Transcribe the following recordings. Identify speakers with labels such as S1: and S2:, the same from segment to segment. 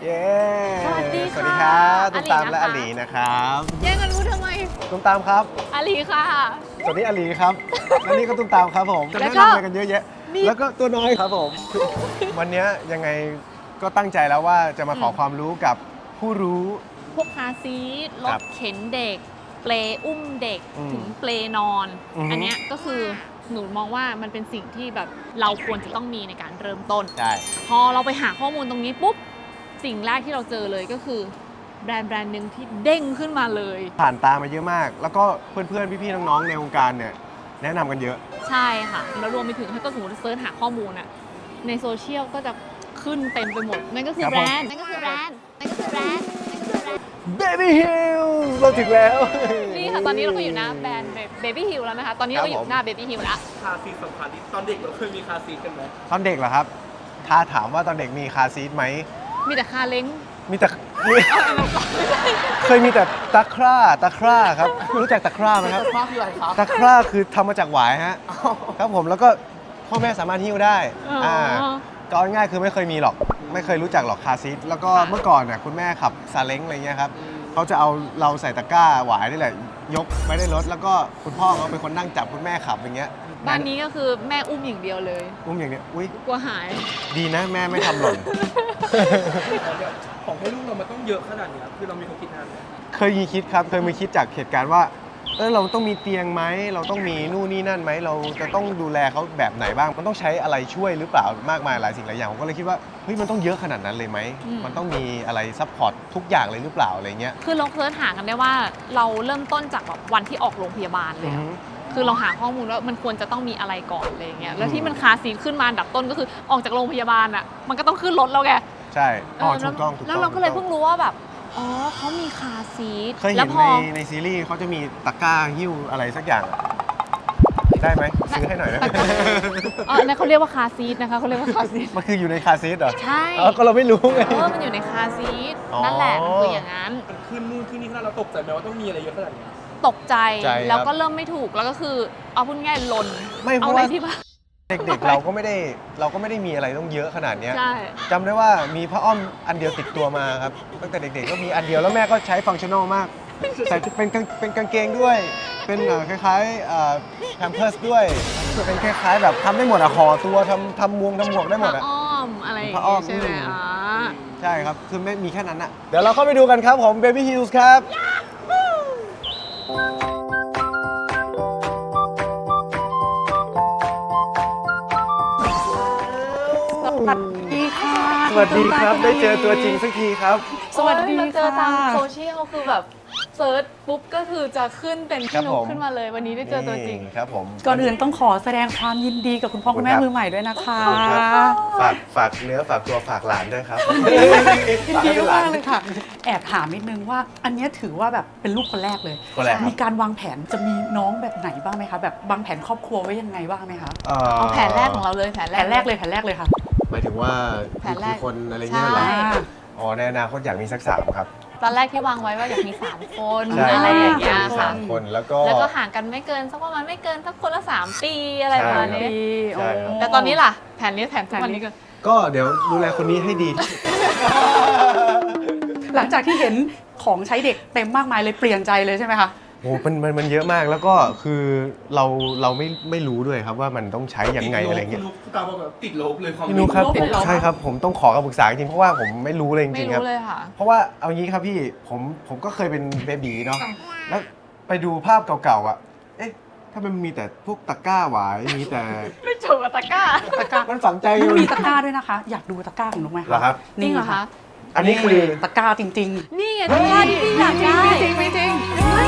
S1: เย้
S2: สวัสดีค่ะ
S1: สวัสดีครับตุ้มตาม
S2: อลีนะคะ
S1: และอลีนะครับ
S2: แย่งกันรู้ทำไม
S1: ตุ้มตามครับ
S2: อาลีค่ะ
S1: สวัสดีอลีครับและนี่ก็ตุ้มตามครับผมจะ
S2: แล้ว
S1: แนะ
S2: ก็
S1: นำอะไรกันเยอะแยะ
S2: นี่
S1: แล้วก็ตัวน้อยครับผม วันนี้ยังไงก็ตั้งใจแล้วว่าจะมาขอความรู้กับผู้รู้
S2: พวกคาร์ซีทร
S1: ครั
S2: ถ
S1: บ
S2: เข็นเด็ก เปลอุ้มเด็ก
S1: อืม
S2: ถึงเปลนอน
S1: อือฮึ
S2: อันเนี้ยก็คือหนูมองว่ามันเป็นสิ่งที่แบบเราควรจะต้องมีในการเริ่มต้น
S1: ใช่
S2: พอเราไปหาข้อมูลตรงนี้ปุ๊บ สิ่งแรกที่เราเจอเลยก็คือแบรนด์หนึ่งที่เด้งขึ้นมาเลย
S1: ผ่านตามาเยอะมาก แล้วก็เพื่อนๆพี่ๆน้องๆในวงการเนี่ยแนะนำกันเยอะ
S2: ใช่ค่ะ แล้วรวมไปถึงถ้าก็สมมติเซิร์ชหาข้อมูลอะในโซเชียลก็จะขึ้นเต็มไปหมด นั่นก็คือ
S1: ครับ
S2: แบ
S1: ผม
S2: รนด์ นั่นก็คือแบรนด์ นั่นก็คือแบรนด์
S1: Baby Hills เราถึงแล้ว
S2: นี่ค่ะ ตอนนี้เราก็อยู่หน้าแบรนด์ Baby Hill แล้วนะคะ ตอนนี้เราก็อยู่หน้า Baby Hill แล้ว
S3: คาร์ซีทสำคัญที่ตอนเด็กเราเคยมีคาร์ซีทกันไหม
S1: ตอนเด็กเหรอครับ ถ้าถามว่าตอนเด็กมีคาร์ซีทไหม
S2: มีแต่คาเล้ง
S1: มีแต่เคยมีแต่ตะคร่าครับ รู้จักตะคร่าไหมครับ
S3: ภาพคืออะไรครับ
S1: ตะคร่าคือทำมาจากหวายฮะ ครับผมแล้วก็พ่อแม่สามารถหิ้วได้
S2: อ๋ออ่
S1: ก็เอาง่ายๆคือไม่เคยมีหรอก ไม่เคยรู้จักหรอกคาร์ซีทแล้วก็
S2: ค่ะ
S1: เมื่อก่อนน่ะคุณแม่ขับซาเล้งอะไรเงี้ยครับเขาจะเอาเราใส่ตะกร้าหวายนี่แหละ ยกไปได้รถแล้วก็คุณพ่อเขาเป็นคนนั่งจับคุณแม่ขับอย่างเงี้ย
S2: บ้านนี้ก็คือแม่อุ้มอย่างเดียวเลย
S1: อุ้มอย่างเนี้ยอุ้ย
S2: กลัวหาย
S1: ดีนะแม่ไม่ทำหล่น
S3: ของให้ลูกเรามันต้องเยอะขนาดนี้คือเรามีความคิดนานไหม
S1: เคยมีคิดครับ เคยมีคิดจากเหตุการณ์ว่าเราต้องมีเตียงไหมเราต้องมีนู่นนี่นั่นไหมเราจะต้องดูแลเขาแบบไหนบ้าง มันต้องใช้อะไรช่วยหรือเปล่ามากมายหลายสิ่งหลายอย่างผมก็เลยคิดว่าเฮ้ยมันต้องเยอะขนาดนั้นเลยไหม
S2: อืม
S1: มันต้องมีอะไรซัพพอร์ตทุกอย่างเลยหรือเปล่าอะไรเงี้ย
S2: คือเราเซิร์ชหากันได้ว่าเราเริ่มต้นจากแบบวันที่ออกโรงพยาบาลเล
S1: อื
S2: ย
S1: อ
S2: อะ
S1: ฮึ
S2: คือเราหาข้อมูลว่ามันควรจะต้องมีอะไรก่อนอะไรอย่างเงี้ย แล้วที่มันคาร์ซีทขึ้นมาอันดับต้นก็คือออกจากโรงพยาบาลอ่ะ มันก็ต้องขึ้นรถแล้วไง
S1: ใช่อ๋อ
S2: เออ
S1: ถูกต้องถูกต้อง
S2: แล้วเราก็เลย
S1: ถู
S2: เพิ่งรู้ว่าแบบ อ๋อเขามีคาร์ซีท
S1: เคย
S2: แล้
S1: เห็
S2: วน พอ
S1: ในซีรีส์เขาจะมีตะกร้าหิ้วอะไรสักอย่างอะได้ไหมซื้อให้หน่อยได้ไหม
S2: อ๋อนั่นเขาเรียกว่าคาร์ซีทนะคะเขาเรียกว่าคาร์ซีท
S1: มันคืออยู่ในคาร์ซีทเหรอ
S2: ใช่
S1: อ๋อก็เราไม่รู้ไง
S2: มันอยู่ในคาร์ซีท
S1: อ๋อ
S2: นั่นแหละมันคืออย่างนั้น
S3: มันขึ้นนู่นขึ้นนี่ขนาดเราตกใจไหมว่าต้องมีอะไรเยอะขนาดนี้
S2: ตกใจ
S1: ใจครับ
S2: แล้วก็เริ่มไม่ถูกแล้วก็คือเอาพูดง่ายๆลน
S1: ไม่เพ
S2: เอา
S1: ราะ
S2: ไว้
S1: ว่า
S2: ที่บ้าน
S1: เด็กๆเราก็ไม่ได้มีอะไรต้องเยอะขนาดเนี้ย
S2: ใช่
S1: จำได้ว่ามีผ้าอ้อมอันเดียวติดตัวมาครับตั้งแต่เด็กๆก็มีอันเดียวแล้วแม่ก็ใช้ฟังก์ชั่นอลมากใส่เป็นกางเกงด้วย เป็นคล้ายๆแพมเพิร์สด้วยเป็นคล้ายๆแบบทำได้หมดอะห่อตัวทำหมวกได้หมด
S2: ผ้า
S1: อะ
S2: อ้อมอะไรอย่าง
S1: ผ้าอ้อ
S2: เงี้
S1: ม
S2: ยใช่ไหม
S1: อืม
S2: อ๋อ
S1: ใช่ครับคือไม่มีแค่นั้นอะเดี๋ยวเราเข้าไปดูกันครับผม Baby Hills ครับ
S4: สวัสดีค่ะ
S1: สวัสดีครับได้เจอตัวจริงสักทีครับ
S4: สวัสดี
S2: เราเจอ
S4: ค่ะ
S2: ตามโซเชียลคือแบบเซิร์ชปุ๊บก็คือจะขึ้นเป็น
S1: ครั
S2: พี่
S1: บ
S2: นุ๊
S1: ผ
S2: ก
S1: ม
S2: ขึ้นมาเลยวันนี้ได้เจอตัวจริง
S1: นี่ครับผม
S4: ก่อนอื่นต้องขอแสดงความยินดีกับคุณพ่อคุณแม่
S1: ขอบคุณครับ
S4: มือใหม่ด้วยนะคะ
S1: ฝากเนื้อฝากตัวฝากหลานด้วยครับ
S4: ยินดีมากเลยค่ะ แอบถามนิดนึงว่า อันเนี้ยถือว่าแบบเป็นลูกคนแรกเลย
S1: คนแรกครับ
S4: มีการวางแผนจะมีน้องแบบไหนบ้างไหมคะ แบบวางแผนครอบครัวไว้ยังไงบ้างไหมคะ
S2: เอาแผนแรกของเราเลยแผน
S4: แผนแรกเลยค่ะ
S1: หมายถึงว่า
S2: แผนแรก
S1: กี่คนอะไรเงี้ยเหรอ
S2: ใช่
S1: อ๋อในอนาคตอยากมีสัก3ครับ
S2: ตอนแรกที่วางไว้ว่าอยากมี3คน
S1: ใช่
S2: อะไรอย่างเงี้ย
S1: มี
S2: ค่ะ
S1: 3คนแล้วก็
S2: แล้วก็ห่างกันไม่เกินสักประมาณไม่เกินสักคนละ3 ปีอะไรประมาณนี้
S1: ใช่ครับ
S2: แต่ตอนนี้ล่ะแผนนี้แผนทุกวันนี้ก็
S1: ก็เดี๋ยวดูแลคนนี้ให้ดีที่สุด
S4: หลังจากที่เห็นของใช้เด็กเต็มมากมายเลยเปลี่ยนใจเลยใช่ไหมคะ
S1: โอ้มันเยอะมากแล้วก็คือเราไม่รู้ด้วยครับว่ามันต้องใช้ยังไงอะไรเงี้ย
S3: คุณตาบอกแบบติดลบเลยความ
S1: พี่นุ๊กครับ
S4: ติดลบ
S1: ใช่ครับผมต้องขอคำปรึกษาจริงๆเพราะว่าผมไม่รู้เลยจ
S2: ไม่
S1: ริงๆครับ
S2: รู้เลยค่ะ
S1: เพราะว่าเอางี้ครับพี่ผมก็เคยเป็นเบบีเนาะแล้วไปดูภาพเก่าๆอ่ะเอ๊ะถ้ามันมีแต่พวกตะกร้าหวายมีแต่
S2: ไม่จูบกับตะกร้า
S4: ตะกร้า
S1: มันฝังใจอ
S4: มัน
S1: ยู่
S4: มีตะกร้าด้วยนะคะ อยากดูตะกร้าของนุ๊กไหม
S1: เหรอ
S4: คะ
S1: ครับ
S2: จริงเหรอคะ
S1: อันนี้คือ
S4: ตะกร้าจริง
S2: นี่ไงตะกร้าที่พี่อยากได้
S4: มีจริง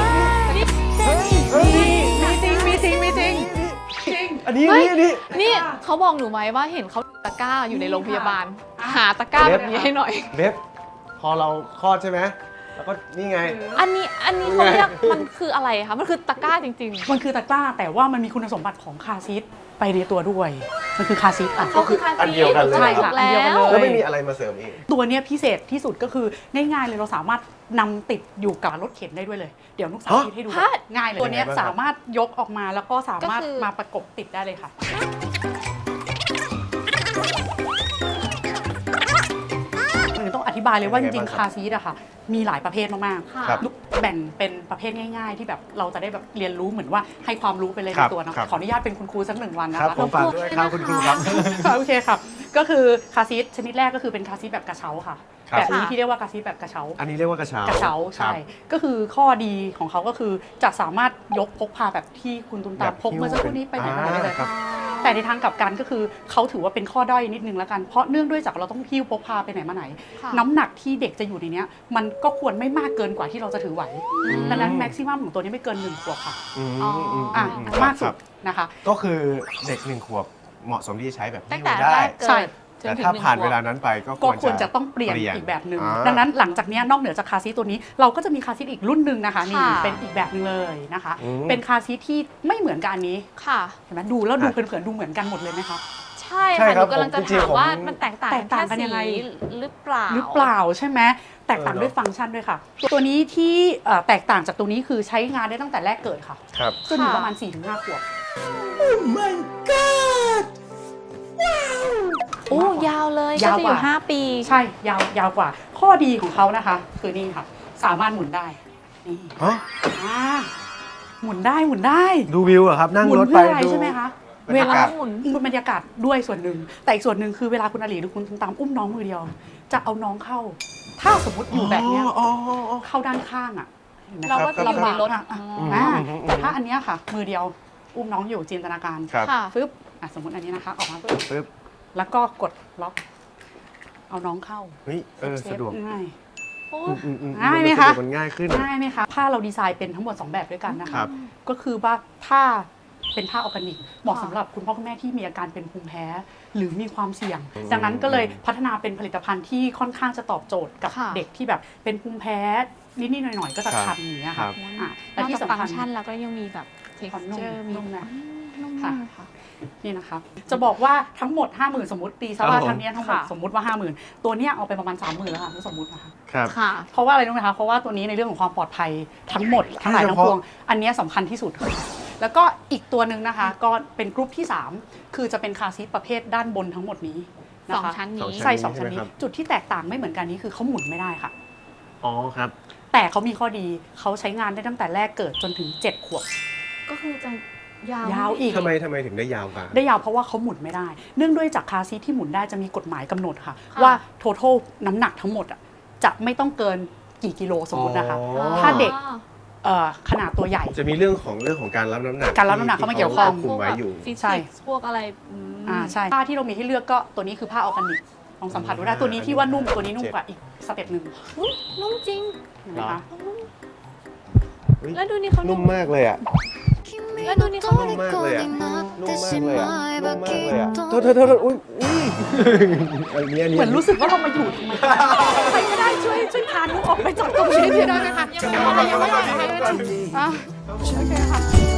S1: อันนี้
S2: เฮ้ย
S1: อันนี้
S2: นี่เขาบอกหนูไหมว่าเห็นเขาตะกร้าอยู่ในโรงพยาบาล หาตะกร้าแบบนี้ให้หน่อย
S1: เว็บพอเราคลอดใช่ไหมแล้วก็นี่ไง
S2: อันนี้เขาเรียกมันคืออะไรคะมันคือตะกร้าจริง
S4: มันคือตะกร้าแต่ว่ามันมีคุณสมบัติของคาร์ซีทไปในตัวด้วย มันคือคาร์ซีทอ่ะ
S2: ๆเขาคือคา
S1: อันเดียวกันเลย
S2: ใช่
S4: ค่ะ
S2: แล้
S4: อันเดียวกันเล
S2: ว
S4: ย
S1: แล้วไม่มีอะไรมาเสริมอีก
S4: ตัวเนี้ยพิเศษที่สุดก็คือง่ายๆเลยเราสามารถนำติดอยู่กับรถเข็นได้ด้วยเลย เดี๋ยวนุกสาธิตให้ดู
S2: ฮะ
S4: ง่ายเลยตัวเนี้ย
S1: ยังไงบ้างครับ
S4: สามารถยกออกมาแล้วก็สามารถ
S2: ก็คือ
S4: มาประกบติดได้เลยค่ะ หรือต้องอธิบายเลยว่าจ
S1: เป็นไง
S4: ริง
S1: บ้าง
S4: ๆคาร์ซีทอะค่ะมีหลายประเภทมาก
S2: ค่ะ
S1: ครับ
S4: ๆแบ่งเป็นประเภทง่าย ๆ ที่แบบเราจะได้แบบเรียนรู้เหมือนว่าให้ความรู้ไปเลย
S1: ค
S4: ใน
S1: รับ
S4: ตัวเนาะ
S1: ครับ
S4: ขออนุญาตเป็นคุณครูสัก1 วันนะ
S1: ครับ
S4: คะ
S1: ผมฝากด้วยครับคุณครูครับ
S4: โอเคครับก็คือคาร์ซีทชนิดแรกก็คือเป็นคาร์ซีทแบบกระเช้าค่ะ
S1: ครับ
S4: แบบนี้ที่เรียกว่าคาร์ซีทแบบกระเช้า
S1: อันนี้เรียกว่ากระเช้าก
S4: ระเช้า
S1: ครั
S4: ใช่
S1: บ
S4: ก็คือข้อดีของเขาก็คือจะสามารถยกพกพาแบบที่คุณตุมตาม
S1: แบบ
S4: พกเมื่อสักครู่นี้ไปไหนมาไหนได้เลย
S1: ครับ
S4: แต่ในทางกลับกันก็คือเขาถือว่าเป็นข้อด้อยนิดนึงแล้วกันเพราะเนื่องด้วยจากเราต้องหิ้วพกพาไปไหนมาไหน
S2: ค่ะ
S4: น้ำหนักที่เด็กจะอยู่ในเนี้ยมันก็ควรไม่มากเกินกว่าที่เราจะถือไหว
S2: อืม
S4: ดังนั้นแม็กซิมัมของตัวนี้ไม่เกิน1 ขวบค่ะ
S1: อืม
S2: อ๋ออื
S1: ม
S4: อ่ะ
S1: ครับ
S4: มากสุ
S1: ครั
S4: ด
S1: บ
S4: นะคะ
S1: ก็คือเด็ก1 ขวบเหมาะสมที่จะใช้แบบ
S2: ตั้ง
S1: หิ้ว
S2: แต่
S1: ได้
S2: แรกเกิ
S4: ใช่
S2: ดจน
S1: แต่
S2: ถึง
S1: ถ้า
S2: 1
S1: ผ่าน
S2: ขวบ
S1: เวลานั้นไปก็
S4: ก็ควรจะต้องเปลี่ยนอีกแบบหนึ่งดังนั้นหลังจากเนี้ยนอกเหนือจากคาร์ซีทตัวนี้เราก็จะมีคาร์ซีทอีกรุ่นหนึ่งนะคะนี่
S2: ค่ะ
S4: เป็นอีกแบบหนึงเลยนะคะ
S1: อืม
S4: เป็นคาร์ซีทที่ไม่เหมือนกับอันนี้
S2: ค่ะ
S4: เห็นไหมดูแล้วดูเผินๆดูเหมือนกันหมดเลยไหมคะ
S2: ใช่
S1: ใช่
S2: ค่ะห
S1: ครั
S2: นู
S1: บ
S2: กำลังจะ
S1: ผมจริงๆ
S2: ถามว่า
S1: ผม
S2: มันแตกต่าง
S4: แตกต่างกัน
S2: แค่
S4: ยังไง
S2: สีหรือเปล่า
S4: หรือเปล่าใช่ไหมแตกต่างด้วยฟังก์ชันด้วยค่ะ ตัวนี้ที่แตกต่างจากตัวนี้คือใช้งานได้ตั้งแต่แรกเกิดค่ะ
S1: ครับ
S4: จนถึง
S2: ค่ะ
S4: ประมาณ 4-5 ขวบ
S2: โอ้ยาวเลยก็
S4: ยาว
S2: จะ
S4: ก
S2: อยู่
S4: ว่า
S2: 5 ปี
S4: ใช่ยาวกว่า ข้อดีของเขานะคะ คือนี่ค่ะ สามารถหมุนได้นี่
S1: ฮะ
S4: อ่าหมุนได้หมุนได้
S1: ดูวิวเหรอครับ นั่ง
S4: หมุน
S1: รถ
S4: เพื่
S1: ไป
S4: ออะไร
S1: ดู
S4: ใช่ไหมคะ
S1: บรร
S4: เวย
S1: า
S4: ลาก
S1: าศ
S2: หมุน
S4: บรรยากาศด้วยส่วนหนึ่งแต่อีกส่วนหนึ่งคือเวลาคุณอาลีหรือคุณตามอุ้มน้องมือเดียว จะเอาน้องเข้า ถ้าสมมติอยู่แบบเนี้ย
S1: อ๋อ
S4: เข้าด้านข้างอ่ะห็นไหม
S2: เรา
S4: คะ
S2: ก็จะอยู่ในรถ
S4: ลำบากอะ
S2: อ๋อ
S4: อ่าแต่ถ้าอันเนี้ยค่ะ มือเดียวอุ้มน้องอยู่จินตนาการ
S1: ครับ
S2: ค่ะ
S4: ฟึบสมมติอันนี้นะคะ ออกมาปึ๊บ
S1: ปึ๊บ
S4: แล้วก็กดล็อก เอาน้องเข้า
S1: เฮ้ยสะดวก
S4: ง่าย
S2: โอ้
S4: ง่ายไหมคะ
S1: สดวกมันง่ายขึ้น
S4: ง่ายไหมคะผ้าเราดีไซน์เป็นทั้งหมด 2 แบบด้วยกันนะ
S1: ครั
S4: คะ
S1: บ
S4: ก็คือว่าผ้าเป็นผ้าออร์แกนิกเหมาะสำหรับคุณพ่อคุณแม่ที่มีอาการเป็นภูมิแพ้ หรือมีความเสี่ยง ดังนั้นก็เลยพัฒนาเป็นผลิตภัณฑ์ที่ค่อนข้างจะตอบโจทย์กับ
S2: ค่ะ
S4: เด็กที่แบบเป็นภูมิแพ้นิดๆหน่อยๆก็จะ
S1: ครับ
S4: คันอย่างเงี้ย
S1: ครั
S4: ค่ะ
S1: บ
S4: อ่ะ
S2: น
S4: และ
S2: อก
S4: ที่
S2: จาก
S4: สำ
S2: ฟัง
S4: คัญ
S2: ก์ชันแล้วก็ยังมีแบบ
S4: ความนุ่ม
S2: texture มี
S4: นุ่มนะ
S2: นุ่ม
S4: ค่ะ
S2: มากค่ะ
S4: นี่นะคะ จะบอกว่าทั้งหมด 50,000 สมมติตีซะว่า
S1: ครับผม
S4: ทั้งเนี้ยทั้งหมด
S2: ค่ะ
S4: สมมติว่า 50,000 ตัวเนี้ยเอาไปประมาณ 30,000 แล้วค่ะสมมตินะคะ
S1: ครับ
S2: ค่ะ
S4: เพราะว่าอะไรรู้ไหมคะ เพราะว่าตัวนี้ในเรื่องของความปลอดภัยทั้งหมดทั้งหลายทั้งปวง อันเนี้ยสำคัญที่สุดค่ะแล้วก็อีกตัวหนึ่งนะคะ ก็เป็นกรุ๊ปที่ 3 คือจะเป็นคาร์ซีทประเภทด้านบนทั้งหมดนี้นะ
S2: สอง
S4: คะ
S2: ชั้นนี้
S4: ใช่สองชั้นนี้
S1: ใช่ไหมครับ
S4: จุดที่แตกต่างไม่เหมือนกันนี้คือเขาหมุนไม่ได้ค่ะ
S1: อ๋อครับ
S4: แต่เขามีข้อดีเขาใช้งานได้ตั้งแต่แรกเกิดจนถึง 7 ขวบ
S2: ก็คือจะยาว
S4: ยาวอีก
S1: ทำไมถึงได้ยาวกว่า
S4: ได้ยาวเพราะว่าเขาหมุนไม่ได้ เนื่องด้วยจากคาร์ซีทที่หมุนได้จะมีกฎหมายกำหนดค่ะ ว่า total น้ำหนักทั้งหมดอะจะไม่ต้องเกินกี่กิโลสมมตินะคะ
S1: อ๋อ
S4: ถ้าเด็ก ขนาดตัวใหญ่
S1: จะมีเรื่องของการรับน้ำหนัก
S4: การรับน้ำหนักเข้ามาเกี่ยวข้อง
S1: ที่คุมไว้อยู่
S2: ฟิ
S4: ใช่
S2: สิกส์พวกอะไรม
S4: ใช่ผ้าที่เรามีให้เลือกก็ตัวนี้คือผ้าออร์แกนิกลองสัมผัสดูได้ตัวนี้ที่ว่านุ่มตัวนี้นุ่มกว่าอีกสเต็ปหนึ่ง
S2: อุ๊ยนุ่มจริง
S4: เห็นไหมคะ
S1: เฮ้ย
S2: แล้วดูนี่เขา
S1: นุ่มมากเลยอ่ะ
S2: แล้วดูนี่เขา
S1: นุ่มมากเลยอ่ะ นุ่มมากเลยอ่ะ นุ่มมากเลยอ่ะ โท
S3: โท
S1: ษอุ้ยอันนี้
S4: เหมือนรู้สึกว่าเรามาอยู่ทำไมใครก็ได้ช่วยพานุออกไปจากตรงนี้ทีได้ไหมคะ
S2: ยังไม่ได้
S4: อ่ะโอเคค่ะ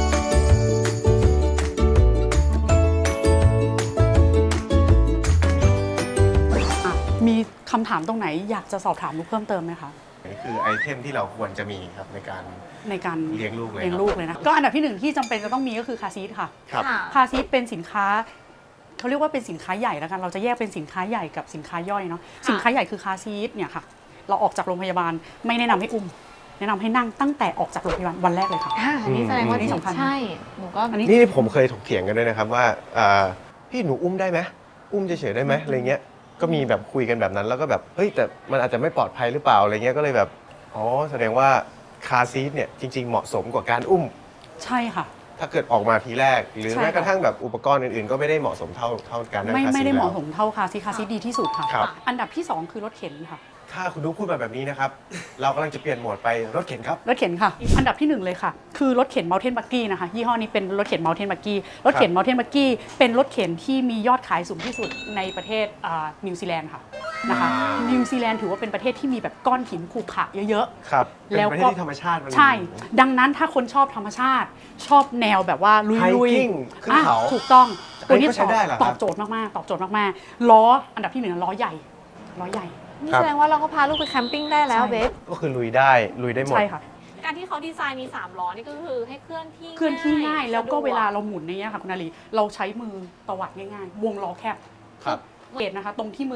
S4: มีคำถามตรงไหนอยากจะสอบถามนุกเพิ่มเติมไหมคะ
S1: นี่คือไอเทมที่เราควรจะมีครับในการ
S4: ในการ
S1: เลี้ยงลูกเลย
S4: เลี้ยงลูกเลยนะก็อันดับที่หนึ่งที่จำเป็นจะต้องมีก็คือคาร์ซีทค่ะ
S1: ครับ
S2: ค่ะ
S4: คาร์ซีทเป็นสินค้าเขาเรียกว่าเป็นสินค้าใหญ่แล้วกันเราจะแยกเป็นสินค้าใหญ่กับสินค้าย่อยเนาะสินค้าใหญ่คือคาร์ซีทเนี่ยค่ะเราออกจากโรงพยาบาลไม่แนะนำให้อุ้มแนะนำให้นั่งตั้งแต่ออกจากโรงพยาบาลวันแรกเลยค่ะ
S2: อันนี้แสดงว่า
S4: อันนี้สำคัญ
S2: ใช่ หนูก็
S4: อันนี้
S1: นี่ผมเคยถกเถียงกันด้วยนะครับว่าพี่หนูอุ้มได้ไหมอุ้มเฉยๆได้ไหมอะไรเงี้ยก็มีแบบคุยกันแบบนั้นแล้วก็แบบเฮ้ยแต่มันอาจจะไม่ปลอดภัยหรือเปล่าอะไรเงี้ยก็เลยแบบอ๋อแสดงว่าคาร์ซีทเนี่ยจริงๆเหมาะสมกว่าการอุ้ม
S4: ใช่ค่ะ
S1: ถ้าเกิดออกมาทีแรก หรือ
S4: ใช่
S1: แม้กระทั่งแบบอุปกรณ์อื่นๆ ก็ไม่ได้เหมาะสมเท่าการนั่ง
S4: ไม่
S1: คาร์ซีท
S4: ไม่ได้เหมาะ
S1: แล้ว
S4: สมเท่าคาร์ซีทคาร์ซีทดีที่สุดค่ะ
S1: ครับ
S4: อันดับที่ 2 คือรถเข็นค่ะ
S1: ถ้าคุณนุ๊กพูดมาแบบนี้นะครับ เรากำลังจะเปลี่ยนโหมดไปรถเข็นครับ
S4: รถเข็นค่ะ อันดับที่1เลยค่ะ คือรถเข็น Mountain Buggy นะคะยี่ห้อนี้เป็นรถเข็น Mountain Buggy รถเข็น Mountain Buggy เป็นรถเข็นที่มียอดขายสูงที่สุดในประเทศนิวซีแลนด์ค่ะนะคะนิวซีแลนด์ถือว่าเป็นประเทศที่มีแบบก้อนหินขรุขระเยอะ
S1: ครับ
S4: แล้ว
S1: เป็นประเท
S4: ก็
S1: ศที่ธรรมชาติมัน
S4: ใช่ ดังนั้นถ้าคนชอบธรรมชาติ ชอบแนวแบบว่าลุย
S1: Hiking ขึ้นเขา
S4: ถูกต้อง
S1: อันนี้ก็ใช้ได้เหรอครับ
S4: ตอบโจทย์มากๆตอบโจทย์มากๆล้ออันดับที่1ล้อใหญ่ล้อใหญ่
S2: นี่
S1: ครับ
S2: แสดงว่าเราก็พาลูกไปแคมปิ้งได้แล้ว
S4: ใช่
S2: เบฟ
S1: ก็คือลุยได้หมด
S4: ใช่ค่ะ
S2: การที่เขาดีไซน์มี3ล้อนี่ก็คือให้เคลื่อนที่
S4: เคลื่อนที่ง่ายแล้วก็
S2: สะด
S4: เวลาเราหมุนในเนี้ยค่ะคุณนาลีเราใช้มือตวัดง่ายๆ วงล้อแคบ
S1: ครับ
S4: เกตนะคะ ตรงที่มือ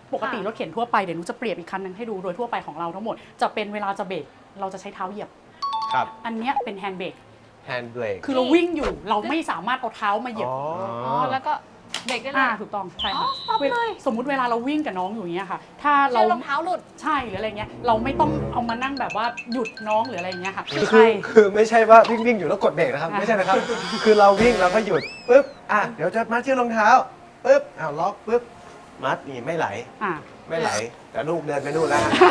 S4: ปกติรถเข็นทั่วไปเดี๋ยวหนูจะเปรียบอีกคันหนึงให้ดูโดยทั่วไปของเราทั้งหมดจะเป็นเวลาจะเบรกเราจะใช้เท้าเหยียบ
S1: ครับ
S4: อันเนี้ยเป็นแฮนด์เบรก
S1: แฮนด์เบรก
S4: คือเราวิ่งอยู่เราไม่สามารถเอาเท้ามาเหยียบ
S2: อ๋อแล้วก็เบรกได้เลย
S4: ถูกต้องใช่ค่ะ
S2: อ๋อ stop เลย
S4: สมมุติเวลาเราวิ่งกับน้องอยู่อย่างเงี้ยค่ะ ถ้าเรา
S2: เชือกรองเท้าหลุด
S4: ใช่หรืออะไรเงี้ยเราไม่ต้องเอามานั่งแบบว่าหยุดน้องหรืออะไรเงี้ยค่ะ
S1: คือไม่ใช่ว่าวิ่งอยู่แล้วกดเบรกนะครับ ไม่ใช่นะครับ คือเราวิ่งเราก็หยุดปุ๊บเดี๋ยวจะมัดเชือกรองเท้าปุ๊บล็อกปุ๊บมัดนี่ไม่ไหล
S4: อ่า
S1: ไม่ไหลแต่ลูกเดินไปนู่นแล้วฮะ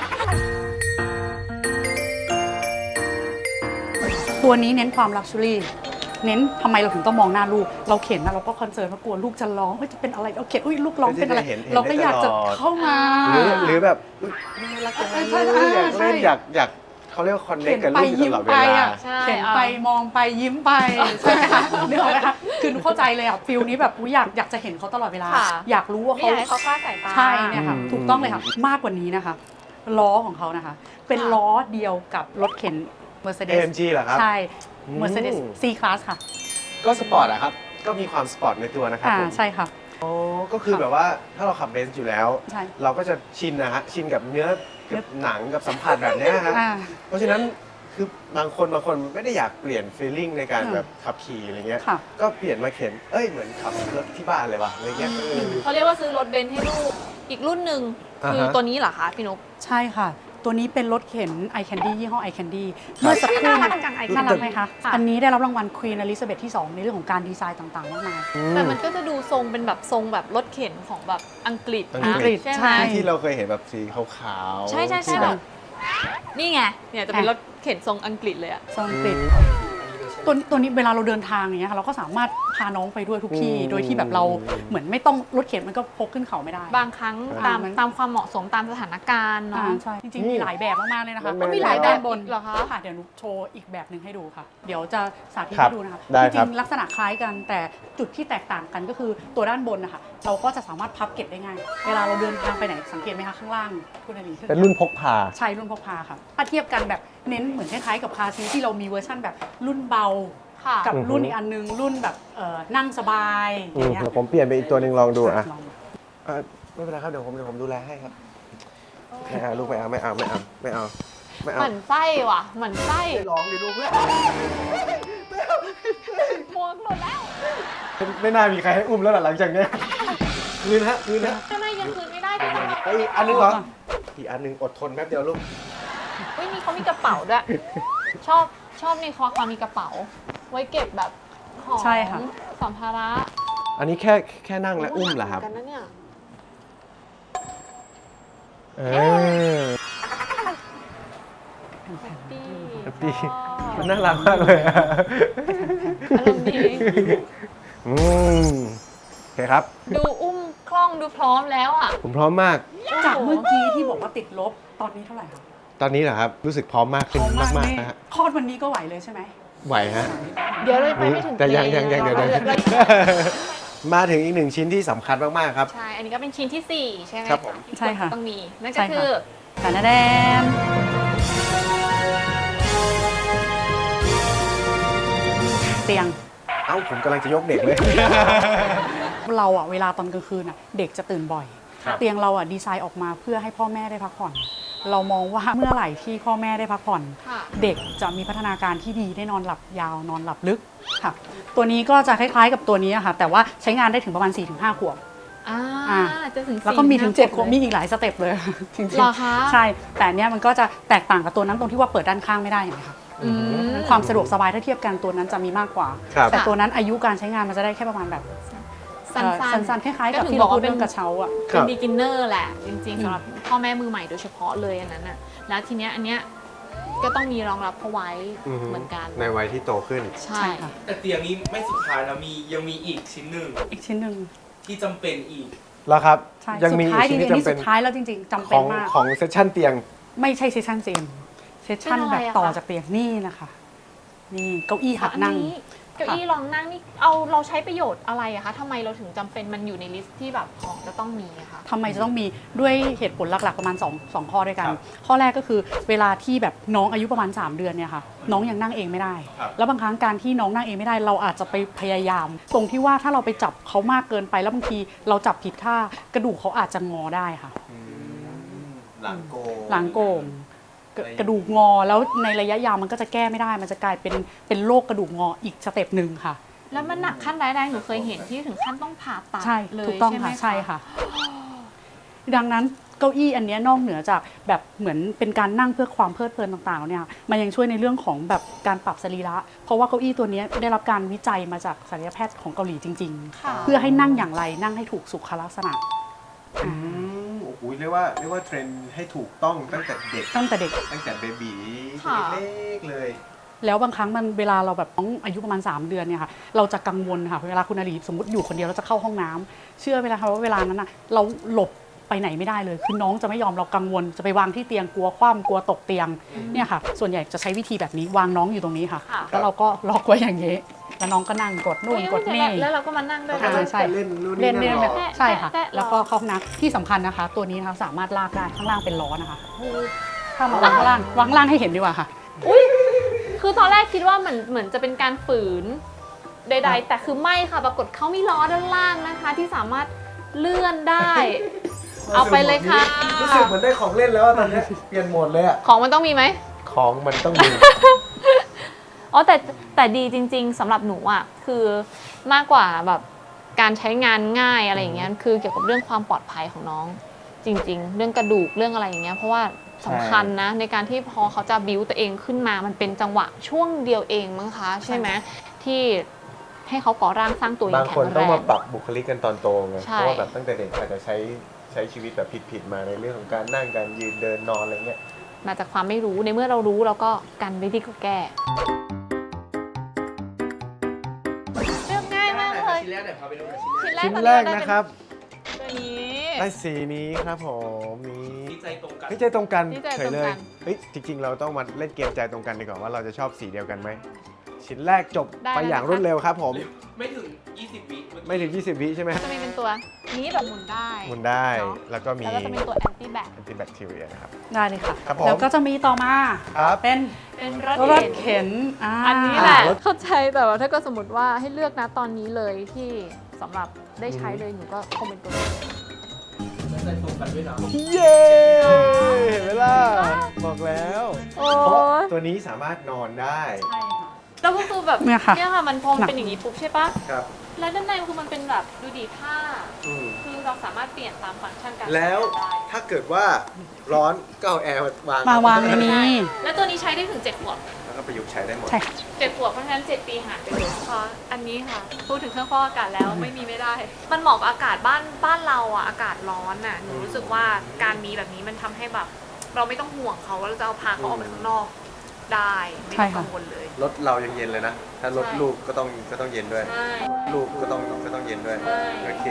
S4: ตัวนี้เน้นความลักชัวรี่เน้นทำไมเราถึงต้องมองหน้าลูก เราเข็นนะเราก็คอนเซิร์นว่ากลัวลูกจะร้องจะเป็นอะไรเราเข็นลูกร้องเป็นอะไร เราก็อยากจะเข้ามา
S1: หรือแบบน่ารักจังเลยอยากเล่นอยากเขาเรียกว่าคอนเนคกับลูกตลอดเวลา
S2: ใช่
S4: เข็นไปมองไปยิ้มไปใช่ไหมคะนึกออกไหมคะคือหนูเข้าใจเลยอ่ะฟิลนี้แบบอยากจะเห็นเขาตลอดเวลา อยากรู้ว่า
S2: ไม่อยากให้เขาคลาดสายตา
S4: ใช่เนี่ยค่ะ
S1: อืม
S4: ถูกต้องเลยค่ะ มากกว่านี้นะคะ ล้อของเขานะคะ เป็นล้อเดียวกับรถเข็น Mercedes
S1: AMG เหรอครับ
S4: ใช่ Mercedes C Class ค่ะ
S1: ก็สปอร์ตอะครับ ก็มีความสปอร์ตในตัวนะครับผม
S4: ใช่ค่ะ
S1: อ๋อก็คือแบบว่าถ้าเราขับเบนซ์อยู่แล้ว
S4: ใช่
S1: เราก็จะชินนะฮะชินกับเนื้อกับหนังกับสัมผัสแบบเนี้ยฮะ
S4: อ่า
S1: เพราะฉะนั้นคือบางคนไม่ได้อยากเปลี่ยนฟีลลิ่งในการแบบขับขี่อะไรเงี้ย
S4: ค่ะ
S1: ก็เปลี่ยนมาเข็นเหมือนขับรถที่บ้านเลยว่ะอะไรเงี้ย
S2: เขาเรียกว่าซื้อรถเบนซ์ให้ลูกอีกรุ่นหนึ่ง
S1: อ่าฮะ
S2: คือตัวนี้เหรอคะพี่นุ๊ก
S4: ใช่ค่ะ ตัวนี้เป็นรถเข็น i Candy ยี่ห้อ i Candy เมื่อสักครู่
S2: น่ารักจัง i Candy
S4: น่ารักไหมคะ
S2: ค่ะ
S4: อันนี้ได้รับรางวัล Queen Elizabeth ที่ 2 ในเรื่องของการดีไซน์ต่างๆมากมาย
S2: แต่มันก็จะดูทรงเป็นแบบทรงแบบรถเข็นของแบบอังกฤษ
S1: อั
S2: นะ
S1: งกฤษ
S2: ใช่ไห
S4: ใช่
S2: ม
S1: ที่เราเคยเห็นแบบสีขาวๆ
S2: ใช่ใช่
S1: ที่
S2: ใช่
S1: แบ
S2: แบบ บนี่ไงเนี่ยจะเป็นรถเข็นทรงอังกฤษเลยอะ
S4: ทรงอังกฤษตัวนี้เวลาเราเดินทางอย่างเงี้ยค่ะเราก็สามารถพาน้องไปด้วยทุกที่ โดยที่แบบเราเหมือนไม่ต้องรถเข็นมันก็พกขึ้นเขาไม่ได้
S2: บางครั้งตามความเหมาะสมตามสถานการณ์เนาะ
S4: ใช่จริงๆมีหลายแบบมากๆเลยนะคะ
S1: มันมี
S2: มีหลายแบบ
S4: ด้านบน
S2: เหรอคะ
S4: ค่ะเดี๋ยวหนุโชว์อีกแบบหนึ่งให้ดูค่ะ เดี๋ยวจะสาธิต
S1: ครับ
S4: ให้ดูนะคะ
S1: ได้
S4: จ
S1: ครั
S4: ริ
S1: บ
S4: งๆลักษณะคล้ายกันแต่จุดที่แตกต่างกันก็คือตัวด้านบนนะคะเราก็จะสามารถพับเก็บได้ง่าย เวลาเราเดินทางไปไหนสังเกตไหมคะข้างล่างคุณอลี
S1: เป็นรุ่นพกพา
S4: ใช่รุ่นพกพาค่ะถ้าเทียบกันแบบเน้นเหมือนคล้ายๆกับคาร์ซีทที่เรามีเวอร์ชั่นแบบรุ่นเบา
S2: ค่ะ
S4: กับ
S1: อือฮึ
S4: รุ่นอีกอันนึงรุ่นแบบนั่งสบายอย่างเงี้ย
S1: เดี๋ยวผมเปลี่ยนไปอีกตัวหนึ่งลองดูอ่ะ
S4: ลองดู
S1: ไม่เป็นไรครับเดี๋ยวผมดูแลให้ครับไม่เอาลูกไม่เอา
S2: เหมือนไส้ว่ะเหมือนไส้
S1: ลองดิลูกเพื่อน
S2: หมวกหมดแล้ว
S1: ไม่น่ามีใครให้อุ้มแล้วหลังจากเนี้ยคืนฮะ
S2: ทำไมยังคืนไม่ได้ที่ต้องมา
S1: ไอีกอันนึงเหรออีกอันนึงอดทนแป๊บเดียวลูก
S2: เฮ้ยนี่เขามีกระเป๋าด้วย ชอบในคอความมีกระเป๋า ไว้เก็บแบบของ
S4: ใช่ค่ะ
S2: สัมภาระ
S1: อันนี้แค่นั่งและอุ้มเหรอครับ
S2: กันนะเนี่ย
S1: เออ
S2: แฮปปี้
S1: แฮปปี้
S2: ชอบ
S1: มันน่ารักมากเลยอะ
S2: อารมณ์ดี
S1: อืมโอเคครับ
S2: ดูอุ้มคล่องดูพร้อมแล้วอ่ะ
S1: ผมพร้อมมาก
S4: จากเมื่อกี้ที่บอกว่าติดลบตอนนี้เท่าไหร่คะ
S1: ตอนนี้เหรอครับ รู้สึกพร้อมมากขึ้นมากๆนะฮะ
S4: คลอดวันนี้ก็ไหวเลยใช่ไหม
S1: ไหวฮะ
S2: เดี๋ยวเลยไปไม่ถึง
S1: แต่ยัง
S2: เพล
S1: เดี๋ยว
S2: เรา
S1: มาถึงอีกหนึ่งชิ้นที่สำคัญมากๆครับ
S2: ใช่ อันนี้ก็เป็นชิ้นที่ 4 ใช่ไหม
S1: ครับผม
S2: ที่
S4: ใช่ค่ะ
S2: ต้องมี นั่น
S4: ใช่
S2: ก็
S4: ค่ะ
S2: คือ
S4: แดนแดนเตียง
S1: เอ้าผมกำลังจะยกเด็กเลย
S4: เราอะเวลาตอนกลางคืนอะเด็กจะตื่นบ่อย
S1: ครับ
S4: เตียงเราอะดีไซน์ออกมาเพื่อให้พ่อแม่ได้พักผ่อน เรามองว่าเมื่อไหร่ที่พ่อแม่ได้พักผ่อน
S2: ค่ะ
S4: เด็กจะมีพัฒนาการที่ดีได้นอนหลับยาวนอนหลับลึกค่ะ ตัวนี้ก็จะคล้ายๆกับตัวนี้อะค่ะ แต่ว่าใช้งานได้ถึงประมาณ 4-5 ขวบ
S2: อ่าจะถึง
S4: แล้วก็มีถึง 7 ขวบ
S2: เลย
S4: มีอีกหลายสเต็ปเลย จริง
S2: เหรอคะ
S4: ใช่ แต่อันเนี้ยมันก็จะแตกต่างกับตัวนั้นตรงที่ว่าเปิดด้านข้างไม่ได้เห็นไหมคะ
S2: อืม
S4: ความสะดวกสบายถ้าเทียบกันตัวนั้นจะมีมากกว่า
S1: ครับ
S4: แต่ตัวนั้นอายุการใช้งานมันจะได้แค่ประมาณแบบ
S2: สั้นๆ
S4: ๆคล้ายๆกับ
S2: ก็ถึง
S4: ที่
S2: บ
S4: เรา
S2: อก
S4: พู
S2: ว่า
S4: ดเรื่องกระเช้าอ่ะ
S1: ครั
S2: เป็น
S1: บ
S2: beginner แหละ จริงๆสำหรับพ่อแม่มือใหม่โดยเฉพาะเลยอันนั้นน่ะ แล้วทีเนี้ยอันเนี้ยก็ต้องมีรองรับเขาไว้เหมือนกัน
S1: ในวัยที่โตขึ้น
S2: ใช่
S4: ใช่ค่ะ
S3: แต่เตียงนี้ไม่สุดท้ายนะยังมีอีกชิ้นหนึ่ง
S4: อีกชิ้นหนึ่ง
S3: ที่จำเป็นอีก
S1: แล้วครับ
S4: ใช่
S1: ยัง
S4: สุ
S1: มี
S4: ด
S1: อี
S4: ท้าย
S1: ก
S4: จ
S1: ชิ้น
S4: ริง
S1: ที่
S4: ๆนี่
S1: จำเป็
S4: สุ
S1: น
S4: ดท้ายแล้วจริงๆจำ
S1: ข
S4: เป็น
S1: อง
S4: มาก
S1: ของเซสชั่นเตียง
S4: ไม่ใช่เซสชั่นเตียงเซสชั่น
S2: เป็นอะไร
S4: แบบ
S2: อะ
S4: ต่อ
S2: คะ
S4: จากเตียงนี่นะคะ นี่เก้าอี้หัดนั่ง
S2: อันนี้เก้าอี้รองนั่งนี่เราใช้ประโยชน์อะไรอะคะทำไมเราถึงจำเป็นมันอยู่ในลิสต์ที่แบบของจะต้องมีอะคะ
S4: ทำไมจะต้องมีด้วยเหตุผลหลักๆประมาณ2ข้อด้วยกัน
S1: ครับ
S4: ข้อแรกก็คือเวลาที่แบบน้องอายุประมาณ 3 เดือนเนี่ยค่ะน้องยังนั่งเองไม่ได้
S1: ครับ
S4: แล้วบางครั้งการที่น้องนั่งเองไม่ได้เราอาจจะไปพยายาม ตรงที่ว่าถ้าเราไปจับเขามากเกินไปแล้วบางทีเราจับผิดท่ากระดูกเขาอาจจะงอได้ค่ะ
S1: หลังโกง
S4: หลังโก่งกระดูกงอแล้วในระยะยาวมันก็จะแก้ไม่ได้ มันจะกลายเป็นโรคกระดูกงออีกสเต็ปหนึ่งค่ะ
S2: แล้วมันหนักขั้นร้ายแรงหนูเคยเห็นที่ถึงขั้นต้องผ่าตัด
S4: ใช่
S2: เลย
S4: ถูกต้อง
S2: ใช่ไหม
S4: ค่ะใช่ค่ะ ดังนั้นเก้าอี้อันเนี้ยนอกเหนือจากแบบเหมือนเป็นการนั่งเพื่อความเพลิดเพลินต่างๆเนี่ยมันยังช่วยในเรื่องของแบบการปรับสรีระ เพราะว่าเก้าอี้ตัวเนี้ยได้รับการวิจัยมาจากศัลยแพทย์ของเกาหลีจริง
S2: ค่ะ
S4: ๆ เพื่อให้นั่งอย่างไรนั่งให้ถูกสุขลักษณะ
S1: โอ้โหเรียกว่าเทรนให้ถูกต้องตั้งแต่เด็ก
S4: ตั้งแต่เด็ก
S1: ตั้งแต่เบบี
S2: ค่ะ
S1: เล็กๆเลย
S4: แล้วบางครั้งมันเวลาเราแบบน้องอายุประมาณ 3 เดือนเนี่ยค่ะเราจะกังวลค่ะเวลาคุณอาลีสมมติอยู่คนเดียวเราจะเข้าห้องน้ำเชื่อเวลาค่ะว่าเวลานั้นนะเราหลบไปไหนไม่ได้เลยคือน้องจะไม่ยอมเรากังวลจะไปวางที่เตียงกลัวคว่ำกลัวตกเตียงเนี่ยค่ะส่วนใหญ่จะใช้วิธีแบบนี้วางน้องอยู่ตรงนี้ค่ะ
S2: ค่ะ
S4: แล้วเราก็ล็อกไว้อย่างนี้แล้วน้องก็นั่งกดนู่นกดนี่
S2: แล้วเราก็มานั่งด้วย
S4: ใช่ใช่
S1: เล่นนู่น
S4: เล่น
S1: นี่
S4: เล่น
S1: นั่น
S4: แบบ
S1: หรอ
S4: ใช่ค่ะ
S2: แตะๆ
S4: แล้วก็เข้าห้องน้ำที่สำคัญนะคะ ตัวนี้นะคะสามารถลากได้ข้างล่างเป็นล้อนะคะถ้ามาวางข้างล่างวางข้างล่างให้เห็นดีกว่าค่ะ
S2: อุ้ยคือตอนแรกคิดว่าเหมือนจะเป็นการฝืนใดๆ แต่คือไม่ค่ะ ปรากฏเขามีล้อด้านล่างนะคะ ที่สามารถเลื่อนได้ เอาไปเลยค่ะ
S1: รู้สึกเหมือนได้ของเล่นแล้วอะตอนนี้เปลี่ยนโหมดเลยอะ
S2: ของมันต้องมีไหม
S1: ของมันต้องมี
S2: อ๋อแต่ดีจริง ๆสำหรับหนูอ่ะคือมากกว่าแบบการใช้งานง่ายอะไรอย่างเงี้ยคือเกี่ยวกับเรื่องความปลอดภัยของน้อง จริง ๆ เรื่องกระดูกเรื่องอะไรอย่างเงี้ยเพราะว่าสำคัญนะในการที่พอเขาจะบิวตัวเองขึ้นมามันเป็นจังหวะช่วงเดียวเองมั้งคะใช่ไหมที่ให้เขาก่อร่างสร้างตัวอย่า
S1: บาง
S2: งแข็
S1: คน
S2: งแร
S1: ต้องมาง ปรับบุคลิกกันตอนโตไง
S2: ใช่
S1: เพราะว่าแบบตั้งแต่เด็กอาจจะใช้ชีวิตแบบผิดๆมาในเรื่องของการนั่งการยืนเดินนอนอะไรเงี้ย
S2: มาจากความไม่รู้ในเมื่อเรารู้เราก็กันวิธีก็แก้เรื่องง่ายมากเลย
S3: ชิ้นแรกหน่อยพาไปดูหน่อยชิ้นแรก
S1: ชิ้นแรกนะครับ
S2: ตัวนี้
S1: ได้สีนี้ครับผมนี่
S3: ดีใจตรงกัน
S1: เฮ้ยใจตรงกัน
S2: นี่ใจ
S1: เฉ
S2: ตร
S1: ย
S2: ง
S1: เล
S2: กั
S1: ย
S2: น
S1: เฮ้ยจริงๆ เราต้องมาเล่นเกมใจตรงกันดีกว่าว่าเราจะชอบสีเดียวกันไหมชิ้นแรกจบ
S2: ได้
S1: ไปอย่างรวดเร็วครับผม
S3: ไม่ถึง 20 วิเอกี้
S1: ไม่ถึง 20 วิใช่ไหม
S2: จะมีเป็นตัวนี้แบบหมุนได้
S1: หมุนได้
S2: เนอะ
S1: แล้วก็มี
S2: แล้วก็จะเป็นตัวแอนตี้แบค
S1: แอนติแบคทีเรียนะครับ
S4: ได้เลยค่ะ
S1: ครับผม
S4: แล้วก็จะมีต่อมา
S1: ครับ
S4: เป็น
S2: เป็นร
S4: ร
S2: ถ
S4: ถ
S2: เข็น
S4: เข็น
S2: อันนี้แหละ
S1: รถ
S2: เข้าใจแต่ว่าถ้าก็สมมติว่าให้เลือกนะตอนนี้เลยที่สำหรับได้ใช้เลยหนูก็คงเป็นตัวนี้
S3: ใจตรงกันด้วยนะ
S1: เย้เห็นไหมล่ะบอกแล้ว
S2: โอ้
S1: เพราะ
S2: ย
S1: ตัวนี้สามารถนอนได้
S4: ใช่ค่ะ
S2: แล้วก็คือแบบ
S4: เนี่ยค่ะ
S2: มันพอมันเป็นอย่างนี้ปุ๊บใช่ปะ
S1: ครับ
S2: แล้วด้านในคือมันเป็นแบบดูดีผ้า
S1: อืม
S2: คือเราสามารถเปลี่ยนตามฟังก์ชันการ
S1: แล้ว
S2: ใช้งานได้
S1: ถ้าเกิดว่าร้อนก็เอาแอร์มาวาง
S4: มาวางในนี้
S2: แล้วตัวนี้ใช้ได้ถึง7ขวบ
S1: แล้วก็ประยุกต์ใช้ได้หมด
S4: ใช่ค่ะ
S2: 7ขวบเพราะฉะนั้น7ปีหารไปเลยเพราะอันนี้ค่ะ พูดถึงเครื่องฟอกอากาศแล้วไม่มีไม่ได้ มันเหมาะกับอากาศบ้านเราอ่ะอากาศร้อนอ่ะหนูรู้สึกว่าการมีแบบนี้มันทำให้แบบ เราไม่ต้องห่วงเขาว่าเราจะเอาพาเขาออกไปข้างนอกได้ไม่
S4: ใช่
S2: ต้อง
S4: ค่ะ
S2: กังวลเลย
S1: รถเรายังเย็นเลยนะ ถ้ารถ
S2: ใช่
S1: ลูกก็ต้องเย็นด้วย
S2: ใช่
S1: ลูกก็ต้องเย็นด้วย
S2: ใช่
S1: โอเค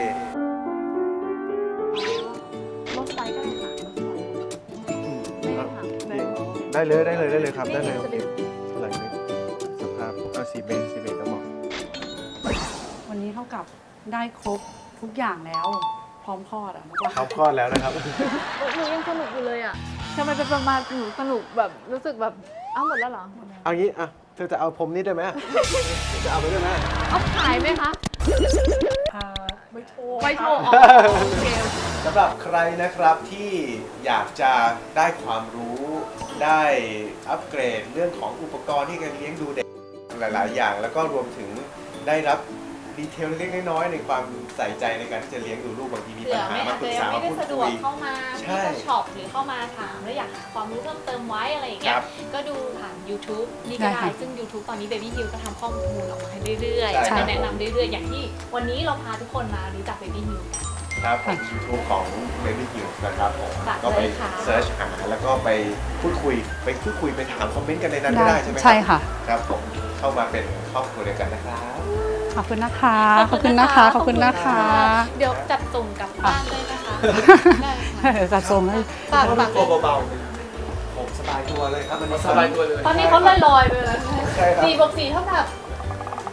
S2: ลดไซส์ก็ได้ค่ะลดไซส์ได้ค่ะ
S1: ได้เลยครับได้เลย
S2: นี่จะเป็น
S1: หลังนี้สภาพเอาซีเบสก็เหมาะ
S4: วันนี้เท่ากับได้ครบทุกอย่างแล้ว พร้อมคลอดอ่ะนึกว่า
S1: เขาคลอดแล้วนะครับ
S2: หนูยังสนุกอยู่เลยอ่ะทำไมเป็นประมาณหนูสนุกแบบรู้สึกแบบอ้าวหมดแล้วเหรอ
S1: เอางี้อ่ะเธอจะเอาผมนี่ด้วยไหมจะเอาไปด้วยไหม
S2: เอาขายไหมคะ
S4: ไม่โชว์
S2: ไว้โชว์อ๋อโอเค
S1: สำหรับใครนะครับที่อยากจะได้ความรู้ได้อัปเกรดเรื่องของอุปกรณ์ที่การเลี้ยงดูเด็กหลาย ๆ อย่าง แล้วก็รวมถึงได้รับดีเทลเล็กๆน้อยๆในความใส่ใจในการที่จะเลี้ยงดูลูกบางทีมี
S2: เผื่
S1: ปัญ
S2: อ
S1: หา
S2: ไม่
S1: มา
S2: อาจ
S1: ปรึ
S2: จะ
S1: ก
S2: ยั
S1: ษาง
S2: ไม่
S1: มา
S2: ได้
S1: พูด
S2: สะด
S1: คุ
S2: วก
S1: ย
S2: เข้ามา
S1: ใช่
S2: ที่จะช็อปหรือเข้ามาถามแล้วอยากหาความรู้เพิ่มเติมไว้อะไรอย่างเงี้
S1: ค
S2: ย
S1: รับ
S2: ก็ดูผ่าน YouTube นี่ก็ได้ซึ่ง YouTube ตอนนี้ Baby Hill ก็ทำข้อมูลออกมาให้เรื่อย
S1: ใช่
S2: ๆจะแนะนำเรื่อยๆ อย่างที่วันนี้เราพาทุกคนมารู้จัก Baby Hill กัน
S1: ครับผม YouTube ของ Baby Hill นะครับผม
S2: ฝาก
S1: ก็ไป
S2: เลยค่ะ
S1: เซิร์ชหาแล้วก็ไปพูดคุยไปถามคอมเมนต์กันในนั้นก็ได้ใช่ไหม
S4: ใช่ค่ะ
S1: ครับผมเข้ามาเป็นครอบครัวเดียวกันนะครับ
S4: ขอบคุณนะคะ ขอบคุณนะคะ ขอบคุณนะคะ
S2: เดี๋ยวจัดส่งกลับบ้านได้นะคะได้ค่ะ
S4: จัดส่งให้
S2: ฝากฝาก
S3: ตัวเบา
S1: ผมสบายตัวเลยครับวันนี้
S3: ๆสบายตัวเลย
S2: ตอนนี้เขาลอยๆไปแล้ว
S1: ใช่ครับ
S2: 4 บวก 4 เท่ากับ
S1: 6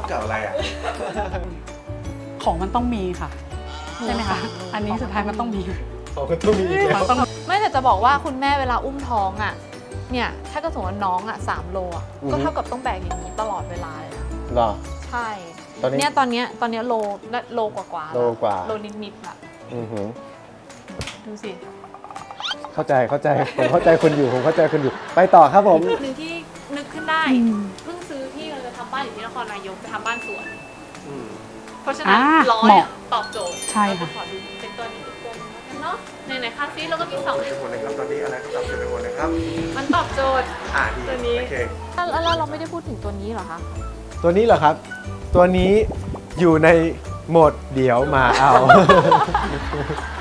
S1: กับอะไรอ่ะ
S4: ของมันต้องมีค่ะ ใช่ไหมคะ อันนี้สุดท้ายมันต้องมี
S1: ของก็ต้องมีอีกแล้ว
S4: มันต้อง
S2: ไม่แต่จะบอกว่าคุณแม่เวลาอุ้มท้องอ่ะเนี่ยถ้าก็สมมติว่าน้องอ่ะ3 โลอ่ะก็เท่ากับต้องแบกอย่างนี้ตลอดเวลาเลยนะ
S1: หรอ
S2: ใช่
S1: ตอนนี้
S2: เนี่ยตอนเนี้ยโลกว่าๆ
S1: โลกว่า
S2: โลนิดๆแบบ
S1: อือหือ
S2: ดูสิ
S1: เข้าใจผมเข้าใจคุณอยู่ไปต่อครับผม
S2: หนึ่งที่นึกขึ้นได้เพิ่งซื้อที่เราจะทำบ้านอยู่ที่นครนายกจะทำบ้านสวน เพราะฉะนั้นล้อเนี่ยตอบโจทย์
S4: ใช่ค่ะ
S2: เราจขอดูเป็นตัวนี้อีกตัวหนึงแล้วกันเนาะในคาซีเราก็มี2
S1: หมดเลยครับตอนนี้อะไรก็ตอบไปหมดเลยครับ
S2: มันตอบโจทย์
S1: ดี
S2: ตัวนี้
S1: โอเค
S2: แล้วเราไม่ได้พูดถึงตัวนี้เหรอคะ
S1: ตัวนี้เหรอครับ ตัวนี้อยู่ในโหมดเดี๋ยวมาเอา